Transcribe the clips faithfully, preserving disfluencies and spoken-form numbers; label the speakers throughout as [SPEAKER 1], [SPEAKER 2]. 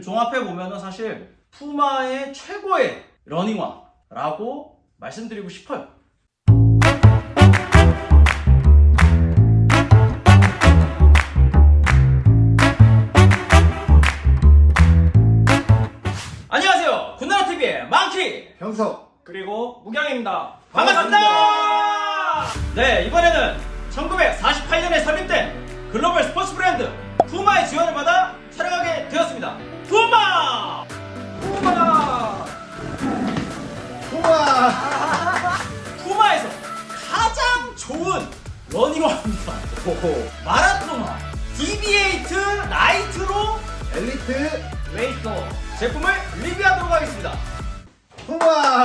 [SPEAKER 1] 종합해 보면은 사실 푸마의 최고의 러닝화라고 말씀드리고 싶어요. 안녕하세요. 군나라티비의 망키
[SPEAKER 2] 형석
[SPEAKER 3] 그리고 무경입니다.
[SPEAKER 1] 반갑습니다. 네, 이번에는 천구백사십팔 년에 설립된 글로벌 스포츠 브랜드 푸마의 지원을 받아 촬영하게 되었습니다. 푸마! 푸마!
[SPEAKER 2] 우와
[SPEAKER 1] 푸마에서 가장 좋은 러닝화입니다.
[SPEAKER 2] 호호
[SPEAKER 1] 마라토너 디비에이트 나이트로
[SPEAKER 2] 엘리트
[SPEAKER 3] 레이서
[SPEAKER 1] 제품을 리뷰하도록 하겠습니다.
[SPEAKER 2] 우와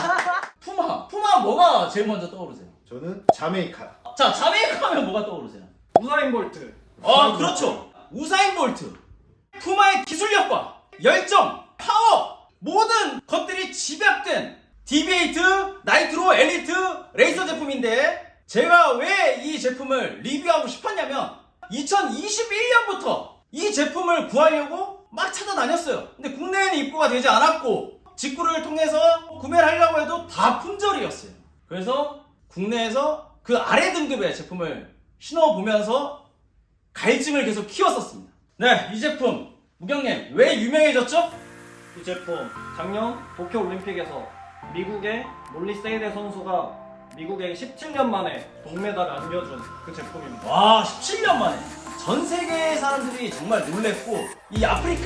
[SPEAKER 1] 푸마, 푸마 뭐가 제일 먼저 떠오르세요?
[SPEAKER 2] 저는 자메이카.
[SPEAKER 1] 자, 자메이카 하면 뭐가 떠오르세요?
[SPEAKER 3] 우사인 볼트.
[SPEAKER 1] 어, 그렇죠. 우사인 볼트. 푸마의 기술력과 열정, 파워 모든 것들이 집약된 디비에이트 나이트로 엘리트 레이서 제품인데 제가 왜 이 제품을 리뷰하고 싶었냐면 이천이십일 년부터 이 제품을 구하려고 막 찾아다녔어요. 근데 국내에는 입고가 되지 않았고 직구를 통해서 구매를 하려고 해도 다 품절이었어요. 그래서 국내에서 그 아래 등급의 제품을 신어보면서 갈증을 계속 키웠었습니다. 네, 이 제품 무경님 왜 유명해졌죠?
[SPEAKER 3] 이 제품 작년 도쿄 올림픽에서 미국의 몰리 세이데 선수가 미국에 십칠 년 만에 동메달을 안겨준 그 제품입니다.
[SPEAKER 1] 와, 십칠 년 만에 전 세계 사람들이 정말 놀랬고 이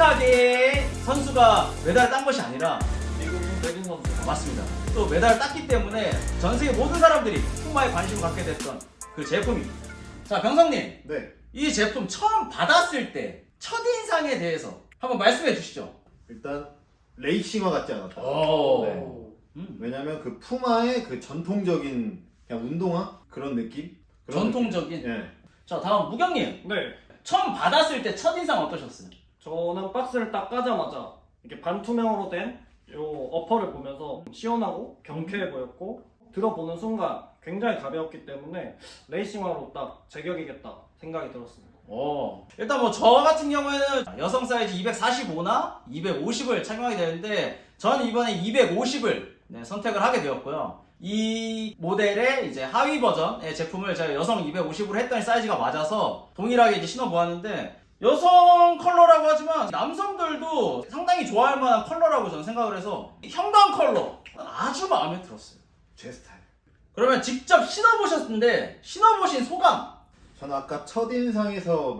[SPEAKER 1] 아프리카계의 선수가 메달을 딴 것이 아니라
[SPEAKER 3] 미국인 백인 선수.
[SPEAKER 1] 맞습니다. 또 메달을 땄기 때문에 전 세계 모든 사람들이 푸마에 관심을 갖게 됐던 그 제품입니다. 자, 병성님,
[SPEAKER 2] 네
[SPEAKER 1] 이 제품 처음 받았을 때 첫인상에 대해서 한번 말씀해 주시죠.
[SPEAKER 2] 일단 레이싱화 같지 않았다.
[SPEAKER 1] 오.
[SPEAKER 2] 네.
[SPEAKER 1] 음.
[SPEAKER 2] 왜냐면 그 푸마의 그 전통적인 그냥 운동화 그런 느낌. 그런
[SPEAKER 1] 전통적인.
[SPEAKER 2] 느낌. 예.
[SPEAKER 1] 자, 다음 무경님,
[SPEAKER 3] 네.
[SPEAKER 1] 처음 받았을 때 첫인상 어떠셨어요?
[SPEAKER 3] 저는 박스를 딱 까자마자 이렇게 반투명으로 된 요 어퍼를 보면서 시원하고 경쾌해 보였고 들어보는 순간 굉장히 가벼웠기 때문에 레이싱화로 딱 제격이겠다 생각이 들었습니다.
[SPEAKER 1] 오. 일단 뭐 저 같은 경우에는 여성 사이즈 이백사십오나 이백오십을 착용하게 되는데 저는 이번에 이백오십을 네, 선택을 하게 되었고요. 이 모델의 이제 하위 버전의 제품을 제가 여성 이백오십으로 했더니 사이즈가 맞아서 동일하게 이제 신어보았는데 여성 컬러라고 하지만 남성들도 상당히 좋아할 만한 컬러라고 저는 생각을 해서 형광 컬러 아주 마음에 들었어요.
[SPEAKER 2] 제 스타일.
[SPEAKER 1] 그러면 직접 신어보셨는데 신어보신 소감?
[SPEAKER 2] 저는 아까 첫인상에서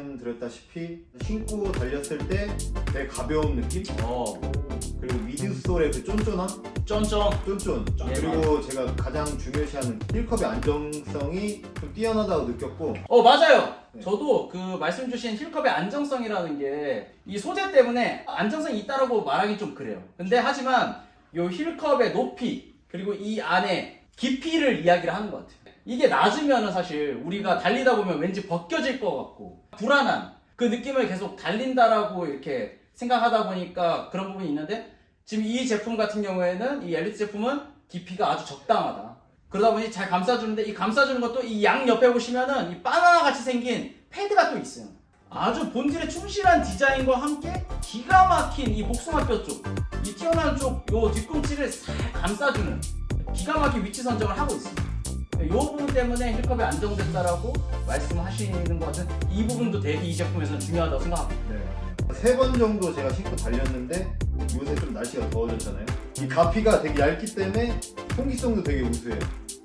[SPEAKER 2] 말씀드렸다시피 신고 달렸을 때 되게 가벼운 느낌?
[SPEAKER 1] 어,
[SPEAKER 2] 그리고 미드솔의 그 쫀쫀함?
[SPEAKER 1] 쫀쫀.
[SPEAKER 2] 쫀쫀.
[SPEAKER 1] 예,
[SPEAKER 2] 그리고 제가 가장 중요시하는 힐컵의 안정성이 좀 뛰어나다고 느꼈고
[SPEAKER 1] 어, 맞아요.
[SPEAKER 2] 네.
[SPEAKER 1] 저도 그 말씀 주신 힐컵의 안정성이라는 게 이 소재 때문에 안정성이 있다라고 말하기 좀 그래요. 근데 하지만 요 힐컵의 높이 그리고 이 안에 깊이를 이야기를 하는 것 같아요. 이게 낮으면은 사실 우리가 달리다 보면 왠지 벗겨질 것 같고 불안한 그 느낌을 계속 달린다라고 이렇게 생각하다 보니까 그런 부분이 있는데 지금 이 제품 같은 경우에는 이 엘리트 제품은 깊이가 아주 적당하다. 그러다 보니 잘 감싸주는데 이 감싸주는 것도 이 양 옆에 보시면은 이 바나나 같이 생긴 패드가 또 있어요. 아주 본질에 충실한 디자인과 함께 기가 막힌 이 복숭아뼈 쪽, 이 튀어나온 쪽 요 뒤꿈치를 살 감싸주는 기가 막힌 위치 선정을 하고 있습니다. 이 부분 때문에 힐컵이 안정됐다라고 말씀하시는 것 같은 이 부분도 되게 이 제품에서는 중요하다고 생각합니다.
[SPEAKER 2] 네. 세 번 정도 제가 신고 달렸는데 요새 좀 날씨가 더워졌잖아요. 이 가피가 되게 얇기 때문에 통기성도 되게 우수해요.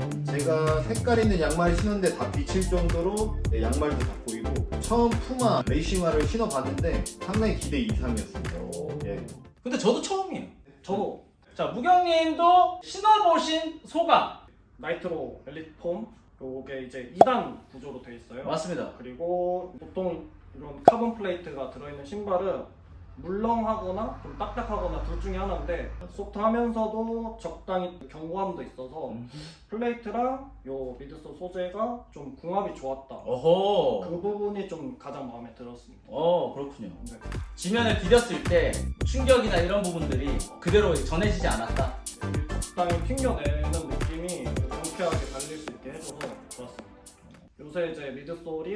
[SPEAKER 2] 제가 색깔 있는 양말 신었는데 다 비칠 정도로 네, 양말도 다 보이고 처음 푸마 레이싱화를 신어봤는데 상당히 기대 이상이었습니다. 예.
[SPEAKER 1] 근데 저도 처음이에요.
[SPEAKER 3] 저도
[SPEAKER 1] 자, 무경님도 신어보신 소감.
[SPEAKER 3] 나이트로 엘리트 폼 요게 이제 이 단 구조로 되어 있어요.
[SPEAKER 1] 맞습니다.
[SPEAKER 3] 그리고 보통 이런 카본 플레이트가 들어있는 신발은 물렁하거나 좀 딱딱하거나 둘 중에 하나인데 소프트하면서도 적당히 견고함도 있어서 플레이트랑 요 미드솔 소재가 좀 궁합이 좋았다.
[SPEAKER 1] 어허.
[SPEAKER 3] 그 부분이 좀 가장 마음에 들었습니다.
[SPEAKER 1] 어, 그렇군요.
[SPEAKER 3] 네.
[SPEAKER 1] 지면을 디뎠을 때 충격이나 이런 부분들이 그대로 전해지지 않았다.
[SPEAKER 3] 적당히 튕겨내는 느낌이 경쾌하게 달릴 수 있게 해줘서 좋았습니다. 요새 이제 미드솔이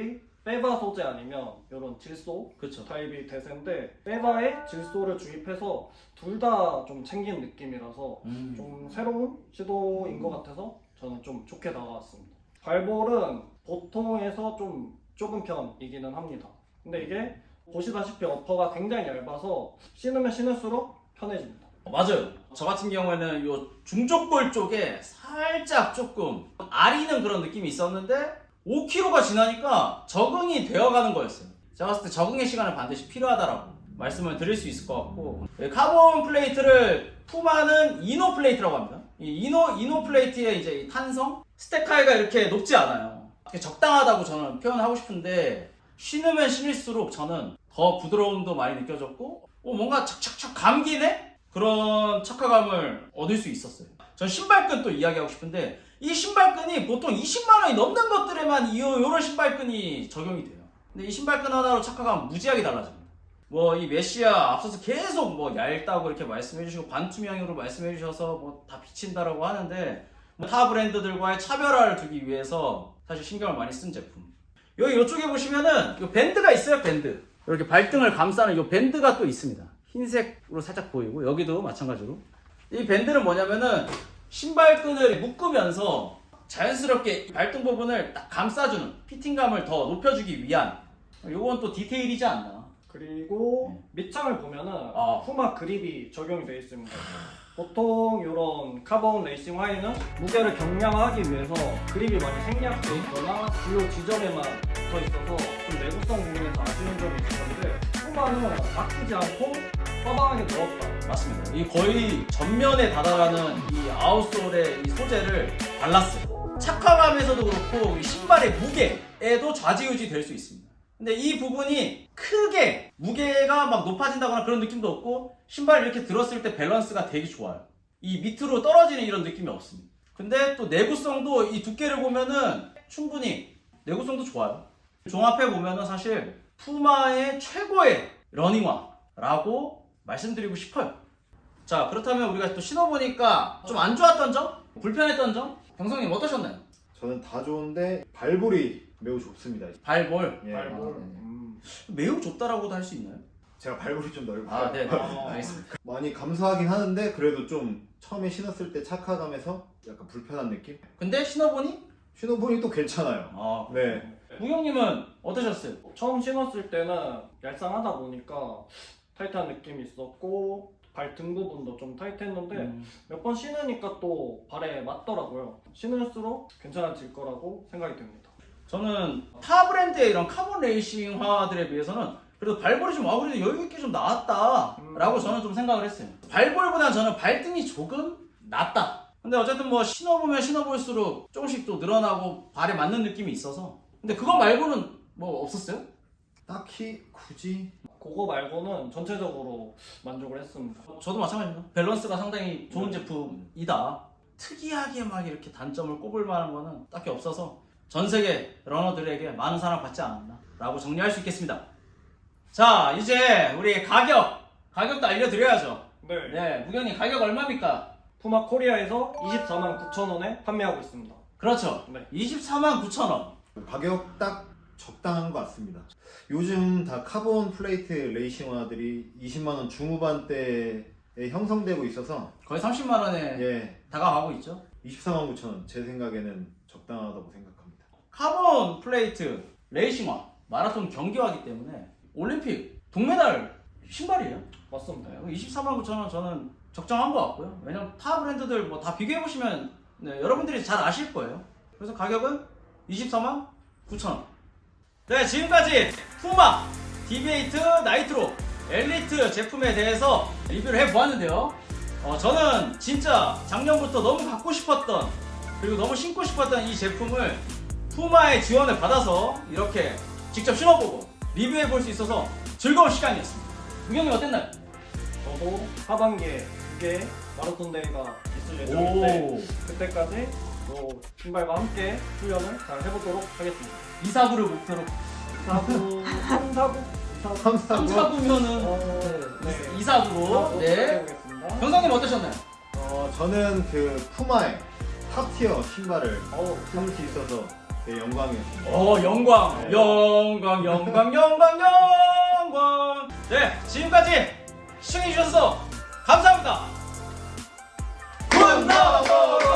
[SPEAKER 3] 빼바 소재 아니면 이런 질소
[SPEAKER 1] 그렇죠.
[SPEAKER 3] 타입이 대세인데 빼바에 질소를 주입해서 둘 다 좀 챙긴 느낌이라서
[SPEAKER 1] 음.
[SPEAKER 3] 좀 새로운 시도인 것 같아서 저는 좀 좋게 다가왔습니다. 발볼은 보통에서 좀 좁은 편이기는 합니다. 근데 이게 보시다시피 어퍼가 굉장히 얇아서 신으면 신을수록 편해집니다.
[SPEAKER 1] 맞아요. 저 같은 경우에는 요 중족골 쪽에 살짝 조금 아리는 그런 느낌이 있었는데 오 킬로미터가 지나니까 적응이 되어가는 거였어요. 제가 봤을 때 적응의 시간은 반드시 필요하다라고 말씀을 드릴 수 있을 것 같고, 카본 플레이트를 푸마는 이노 플레이트라고 합니다. 이 이노 이노 플레이트의 이제 이 탄성 스택 하이가 이렇게 높지 않아요. 적당하다고 저는 표현하고 싶은데 신으면 신을수록 저는 더 부드러움도 많이 느껴졌고, 어, 뭔가 착착착 감기네? 그런 착화감을 얻을 수 있었어요. 전 신발끈 또 이야기하고 싶은데 이 신발끈이 보통 이십만 원이 넘는 것들에만 이, 이런 신발끈이 적용이 돼요. 근데 이 신발끈 하나로 착화감 무지하게 달라집니다. 뭐 이 메시아 앞서서 계속 뭐 얇다고 이렇게 말씀해 주시고 반투명으로 말씀해 주셔서 뭐 다 비친다라고 하는데 뭐 타 브랜드들과의 차별화를 두기 위해서 사실 신경을 많이 쓴 제품. 여기 이쪽에 보시면은 이 밴드가 있어요. 밴드. 이렇게 발등을 감싸는 이 밴드가 또 있습니다. 흰색으로 살짝 보이고 여기도 마찬가지로 이 밴드는 뭐냐면은 신발끈을 묶으면서 자연스럽게 발등 부분을 딱 감싸주는 피팅감을 더 높여주기 위한 요건 또 디테일이지 않나.
[SPEAKER 3] 그리고 밑창을 보면은
[SPEAKER 1] 아.
[SPEAKER 3] 푸마 그립이 적용이 되어 있습니다. 보통 이런 카본 레이싱 화이는 무게를 경량화하기 위해서 그립이 많이 생략되어 있거나 주요 지점에만 붙어 있어서 좀 내구성 부분에서 아쉬운 점이 있었는데 푸마는 아끼지 않고 빠방하게 넣었다.
[SPEAKER 1] 맞습니다. 이 거의 전면에 다다라는 이 아웃솔의 이 소재를 발랐어요. 착화감에서도 그렇고 이 신발의 무게에도 좌지우지 될 수 있습니다. 근데 이 부분이 크게 무게가 막 높아진다거나 그런 느낌도 없고 신발을 이렇게 들었을 때 밸런스가 되게 좋아요. 이 밑으로 떨어지는 이런 느낌이 없습니다. 근데 또 내구성도 이 두께를 보면은 충분히 내구성도 좋아요. 종합해 보면은 사실 푸마의 최고의 러닝화라고 말씀드리고 싶어요. 자, 그렇다면 우리가 또 신어보니까 좀 안 좋았던 점? 불편했던 점? 병성님 어떠셨나요?
[SPEAKER 2] 저는 다 좋은데 발볼이 매우 좁습니다.
[SPEAKER 1] 발볼.
[SPEAKER 2] 예.
[SPEAKER 3] 발볼.
[SPEAKER 2] 아, 네.
[SPEAKER 3] 음.
[SPEAKER 1] 매우 좁다라고도 할 수 있나요?
[SPEAKER 2] 제가 발볼이 좀 넓어요.
[SPEAKER 1] 아, 네.
[SPEAKER 3] 아.
[SPEAKER 1] 알겠습니다.
[SPEAKER 2] 많이 감소하긴 하는데 그래도 좀 처음에 신었을 때 착화감에서 약간 불편한 느낌?
[SPEAKER 1] 근데 신어보니?
[SPEAKER 2] 신어보니 또 괜찮아요.
[SPEAKER 1] 아,
[SPEAKER 2] 네.
[SPEAKER 1] 무경님은 어떠셨어요?
[SPEAKER 3] 처음 신었을 때는 얄쌍하다 보니까 타이트한 느낌이 있었고 발 등 부분도 좀 타이트했는데
[SPEAKER 1] 음.
[SPEAKER 3] 몇 번 신으니까 또 발에 맞더라고요. 신을수록 괜찮아질 거라고 생각이 듭니다.
[SPEAKER 1] 저는 타 브랜드의 이런 카본 레이싱화들에 비해서는 그래도 발볼이 좀, 아, 그래도 여유있게 좀 나왔다라고
[SPEAKER 3] 음.
[SPEAKER 1] 저는 좀 생각을 했어요. 발볼보다는 저는 발등이 조금 낫다. 근데 어쨌든 뭐 신어보면 신어볼수록 조금씩 또 늘어나고 발에 맞는 느낌이 있어서. 근데 그거 말고는 뭐 없었어요?
[SPEAKER 2] 딱히 굳이
[SPEAKER 3] 그거 말고는 전체적으로 만족을 했습니다.
[SPEAKER 1] 저도 마찬가지입니다. 밸런스가 상당히 좋은 제품이다. 특이하게 막 이렇게 단점을 꼽을 만한 거는 딱히 없어서 전 세계 러너들에게 많은 사랑 받지 않았나 라고 정리할 수 있겠습니다. 자, 이제 우리 가격 가격도 알려드려야죠.
[SPEAKER 3] 네.
[SPEAKER 1] 네, 무경님 가격 얼마입니까?
[SPEAKER 3] 푸마 코리아에서 이십사만 구천 원에 판매하고 있습니다.
[SPEAKER 1] 그렇죠.
[SPEAKER 3] 네.
[SPEAKER 1] 이십사만 구천 원.
[SPEAKER 2] 가격 딱 적당한 것 같습니다. 요즘 다 카본 플레이트 레이싱화들이 이십만 원 중후반대에 형성되고 있어서
[SPEAKER 1] 거의 삼십만 원에
[SPEAKER 2] 예,
[SPEAKER 1] 다가가고 있죠.
[SPEAKER 2] 이십사만 구천 원 제 생각에는 적당하다고 생각합니다.
[SPEAKER 1] 카본 플레이트 레이싱화 마라톤 경기화이기 때문에 올림픽 동메달 신발이에요.
[SPEAKER 3] 맞습니다.
[SPEAKER 1] 이십사만 구천 원 저는 적정한 것 같고요. 왜냐면 타 브랜드들 뭐 다 비교해 보시면 네, 여러분들이 잘 아실 거예요. 그래서 가격은 이십사만 구천 원. 네, 지금까지 푸마 디비에이트 나이트로 엘리트 제품에 대해서 리뷰를 해보았는데요. 어, 저는 진짜 작년부터 너무 갖고 싶었던 그리고 너무 신고 싶었던 이 제품을 푸마의 지원을 받아서 이렇게 직접 신어보고 리뷰해볼 수 있어서 즐거운 시간이었습니다. 무경님 어땠나요?
[SPEAKER 3] 저도 하반기에 두 개의 마라톤 대회가 있을 예정인데 그때까지 또 신발과 함께 훈련을 잘 해보도록 하겠습니다.
[SPEAKER 1] 이 사구를 목표로
[SPEAKER 3] 사구, 삼 사구,
[SPEAKER 2] 삼
[SPEAKER 1] 삼 사구면은
[SPEAKER 3] 어,
[SPEAKER 1] 네.
[SPEAKER 3] 네.
[SPEAKER 1] 이 사구로 네.
[SPEAKER 3] 해보겠습니다.
[SPEAKER 1] 병상님 어떠셨나요?
[SPEAKER 2] 어, 저는 그 푸마의 탑티어 신발을
[SPEAKER 3] 어우,
[SPEAKER 2] 신을 수 있어서 되게 영광이었습니다.
[SPEAKER 1] 어 영광 영광 영광 영광 영광. 네 지금까지 시청해주셔서 감사합니다. 굿 넘버